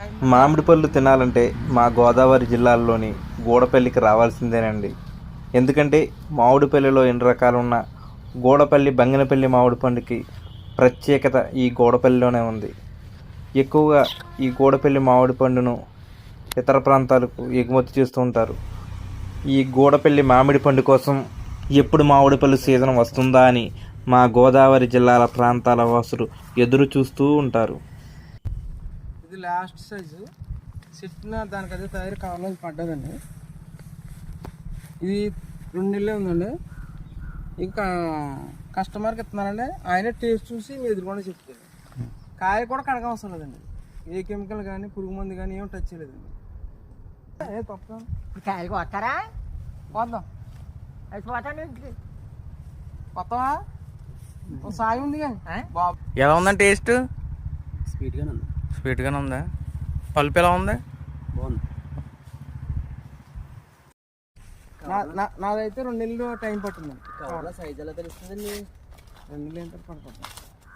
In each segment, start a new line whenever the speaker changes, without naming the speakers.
మామిడి పళ్ళు తినాలంటే మా గోదావరి జిల్లాలోని గూడపల్లికి రావాల్సిందేనండి. ఎందుకంటే మామిడిపల్లిలో ఎన్ని రకాలు ఉన్న గూడపల్లి బంగినపల్లి మామిడి పండుకి ప్రత్యేకత ఈ గూడపల్లిలోనే ఉంది. ఎక్కువగా ఈ గూడపల్లి మామిడి పండును ఇతర ప్రాంతాలకు ఎగుమతి చేస్తూ ఉంటారు. ఈ గూడపల్లి మామిడి పండు కోసం ఎప్పుడు మామిడి పళ్ళు సీజన్ వస్తుందా అని మా గోదావరి జిల్లాల ప్రాంతాల వాసులు ఎదురు చూస్తూ ఉంటారు.
ఇది లాస్ట్ సైజు సిట్టిన దానికి అదే తయారు కావాలని పడ్డదండి. ఇది 2 నెలలే ఉందండి. ఇంకా కస్టమర్కి ఇస్తున్నానండి. ఆయనే టేస్ట్ చూసి మీ ఎదురుకుండా చెప్తారు. కాయ కూడా కడగ అవసరం లేదండి. ఏ కెమికల్ కానీ పురుగు మందు కానీ ఏం టచ్ చేయలేదండి. ఏ తప్ప
కాయలు కొత్తారా
పోద్దాం
అయిపోతాను
కొత్తవా సాయి ఉంది కానీ బాబు
ఎలా ఉందండి టేస్ట్?
స్వీట్గానే ఉంది.
స్వీట్గానే ఉందా? పల్పు ఎలా ఉంది?
బాగుంది. నాదైతే 2 నెలలు టైం పట్టిందండి. సైజ్ ఎలా తెలుస్తుందండి? 2 నెలలు ఎంత పడుతుంది.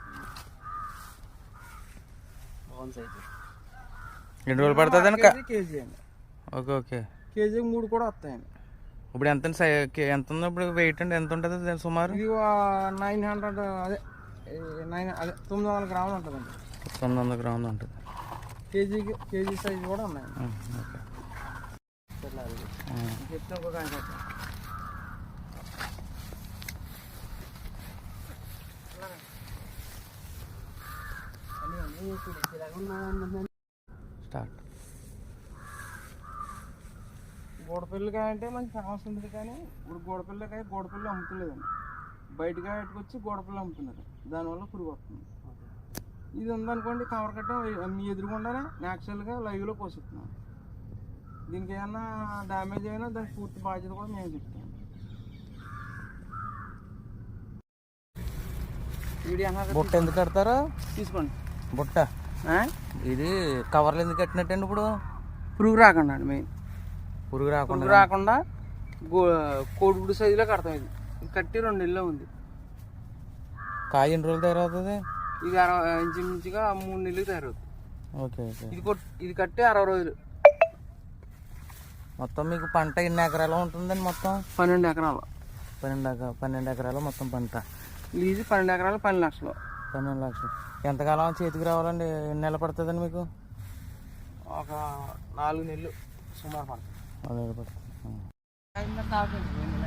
బాగుంది సైజు.
ఎన్ని రోజులు పడుతుంది అండి?
కేజీ అండి.
Okay okay.
కేజీ 3 కూడా వస్తాయండి.
ఇప్పుడు ఎంత ఎంత ఉంది ఇప్పుడు వెయిట్ అండి? ఎంత ఉంటుంది సుమారు?
ఇది 900 అదే 900 గ్రాములు ఉంటుందండి.
900 గ్రాములు ఉంటుంది.
కేజీ సైజు కూడా ఉన్నాయండి.
ఓకే.
చెప్తే ఒక కాయ
స్టార్ట్.
గోడపల్లికాయ అంటే మంచి ఫేమస్ ఉంటుంది కానీ ఇప్పుడు గోడపల్లి అమ్ముతలేదండి. బయటకాయ పెట్టుకొచ్చి గోడపల్లి అమ్ముతున్నారు. దానివల్ల పురుగు వస్తుంది. ఇది ఉందనుకోండి కవర్ కట్టడం మీ ఎదురుగుండానే న్యాచురల్గా లైవ్లో పోషిస్తున్నాం. దీనికి ఏమన్నా డ్యామేజ్ అయినా దానికి పూర్తి బాధ్యత కూడా మేము చెప్తాం.
బుట్ట ఎందుకు కడతారు?
తీసుకోండి
బుట్ట. ఇది కవర్లు ఎందుకు కట్టినట్టండి? ఇప్పుడు
పురుగు రాకుండా అండి. మెయిన్
పురుగు
రాకుండా కోడిగుడు సైజులో కడతాం. ఇది కట్టి 2 నెలల్లో ఉంది.
కాయ ఎన్ని రోజులు తయారవుతుంది?
ఇది ఇంచుమించుగా 3 నెలలు తయారవుతుంది.
Okay okay.
ఇది కట్టి 60 రోజులు.
మొత్తం మీకు పంట ఎన్ని ఎకరాలు ఉంటుందండి? మొత్తం
12 ఎకరాలు.
12 ఎకరాలు మొత్తం పంట.
లీజు 12 ఎకరాలు 12 లక్షలు.
12 లక్షలు. ఎంతకాలం చేతికి రావాలండి? ఎన్ని నెలలు పడుతుందండి మీకు?
ఒక 4 నెలలు సుమారు పడుతుంది.
4 నెలలు పడుతుంది.